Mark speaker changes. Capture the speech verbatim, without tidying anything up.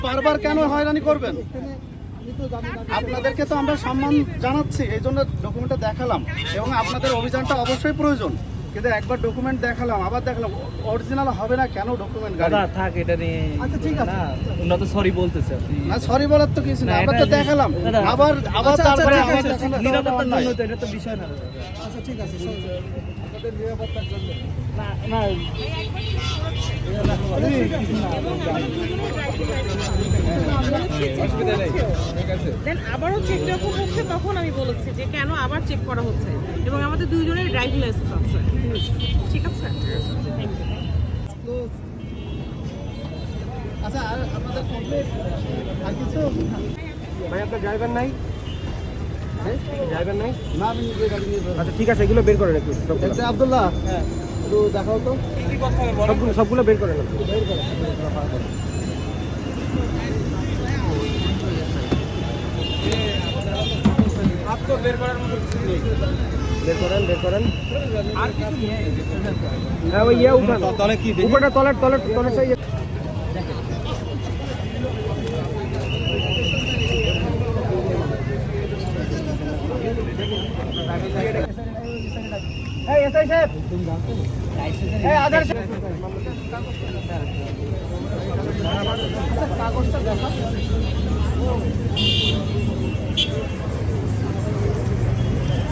Speaker 1: বারবার কেন হয়রানি করবেন? আপনাদেরকে তো আমরা সম্মান জানাচ্ছি, এই জন্য ডকুমেন্টটা দেখালাম, এবং আপনাদের অভিযানটা অবশ্যই প্রয়োজন, কিন্তু একবার ডকুমেন্ট দেখালাম আবার দেখালাম, অরিজিনাল হবে না কেন ডকুমেন্ট? গাড়ি
Speaker 2: দাদা থাক এটা নিয়ে। আচ্ছা ঠিক আছে, না ওনা তো সরি বলতেছে।
Speaker 1: না সরি বলার তো কিছু না, আমরা তো দেখালাম আবার আবার তারপরে আমার
Speaker 2: নিরাপত্তার জন্য তো এটা তো বিষয় না।
Speaker 3: আচ্ছা ঠিক আছে, আপনাদের নিরাপত্তার জন্য
Speaker 2: না না
Speaker 4: দেন আবারও চেক যখন হচ্ছে তখন আমি বলেছি যে কেন আবার চেক করা হচ্ছে, এবং আমাদের দুইজনের ড্রাইভিং লাইসেন্স আছে। ঠিক আছে, থ্যাংক ইউ।
Speaker 1: আচ্ছা আর আপনাদের কমপ্লিট আর কিছু?
Speaker 3: ভাই আপনার ড্রাইভার নাই? ড্রাইভার নাই?
Speaker 1: না আমি নিজে গাড়ি নিয়ে যাবো।
Speaker 3: আচ্ছা ঠিক আছে, এগুলো বের করেন একটু সবগুলো।
Speaker 1: এটা আব্দুল্লাহ,
Speaker 3: হ্যাঁ
Speaker 1: একটু দেখাও তো।
Speaker 3: সবগুলো সবগুলো বের করেন একটু।
Speaker 1: বের করো
Speaker 3: বের করার মতো কিছু নেই। বের করেন বের করেন আর কিছু নেই। হ্যাঁ ওই ইয়ে উঠান, তলে কি উপরটা তলের তলের তলের সাইড এই এসআই সাহেব, এই আধার
Speaker 1: কাগজটা দেখা।